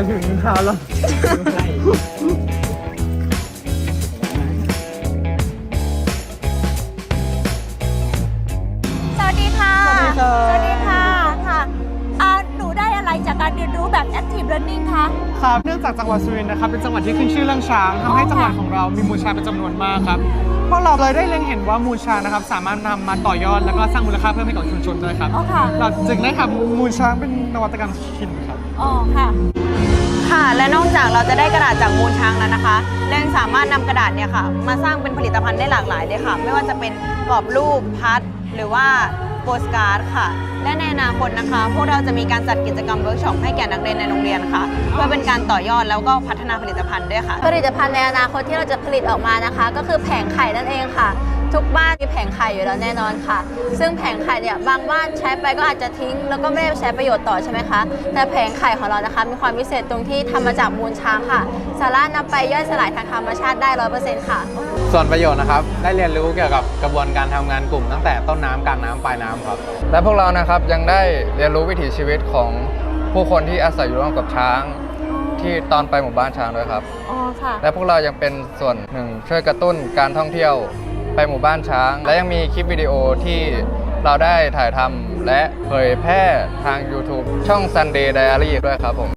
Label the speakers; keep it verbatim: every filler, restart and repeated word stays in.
Speaker 1: ายถึงเท้าแล้ว
Speaker 2: สวัสดีค่ะ
Speaker 1: สวัสดีครับ
Speaker 2: สวัสดีค่ะค่ะอ่าหนูได้อะไรจากการเรียนรู้แบบ Active Learning คะ
Speaker 1: ครับเนื่องจากจังหวัดสุรินทร์นะครับเป็นจังหวัดที่ขึ้นชื่อเรื่องช้างทำให้จังหวัดของเรามีมูลช้างเป็นจำนวนมากครับพวกเราเลยได้เล็งเห็นว่ามูลช้างนะครับสามารถนำมาต่อยอดแล้วก็สร้างมูลค่าเพิ่มให้กับชุมชนด้วยครับ
Speaker 2: อ๋อค่ะ
Speaker 1: เราจึงได้ทำมูลช้างเป็นนวัตกรรมชิ้นครับ
Speaker 2: อ๋อค่ะ
Speaker 3: ค่ะและนอกจากเราจะได้กระดาษจากมูลช้างแล้วนะคะเรายังสามารถนำกระดาษเนี่ยค่ะมาสร้างเป็นผลิตภัณฑ์ได้หลากหลายเลยค่ะ ไม่ว่าจะเป็นกรอบรูปพัดหรือว่าโปสการ์ดค่ะ และในอนาคตนะคะ พวกเราจะมีการจัดกิจกรรมเวิร์กช็อปให้แก่นักเรียนในโรงเรียนค่ะ เพื่อเป็นการต่อยอดแล้วก็พัฒนาผลิตภัณฑ์ด้วยค่ะ
Speaker 4: ผลิตภัณฑ์ในอนาคตที่เราจะผลิตออกมานะคะ ก็คือแผงไข่นั่นเองค่ะ ทุกบ้านมีแผงไข่อยู่แล้วแน่นอนค่ะ ซึ่งแผงไข่เนี่ยบางบ้านใช้ไปก็อาจจะทิ้ง แล้วก็ไม่ได้ใช้ประโยชน์ต่อใช่ไหมคะแต่แผงไข่ของเรานะคะมีความพิเศษตรงที่ทำมาจากมูลช้างค่ะ สามารถนำไปย่อยสลายทางธรรมชาติได้ร้อยเปอร์เซ็นต์ค่ะ
Speaker 5: ส่วนประโยชน์นะครับได้เรียนรู้เกี่ยวกับกระบวนการทำงานกลุ่มตั้งแต่ต้นน้ำกลางน้ำปลายน้ำครับและพวกเรานะครับยังได้เรียนรู้วิถีชีวิตของผู้คนที่อาศัยอยู่ร่วมกับช้างที่ตอนไปหมู่บ้านช้างด้วยครับ
Speaker 2: อ๋อค่ะ
Speaker 5: และพวกเรายังเป็นส่วนหนึ่งช่วยกระตุ้นการท่องเที่ยวไปหมู่บ้านช้าง และยังมีคลิปวิดีโอที่เราได้ถ่ายทำและเผยแพร่ทาง YouTube ช่อง Sunday Diary ด้วยครับผม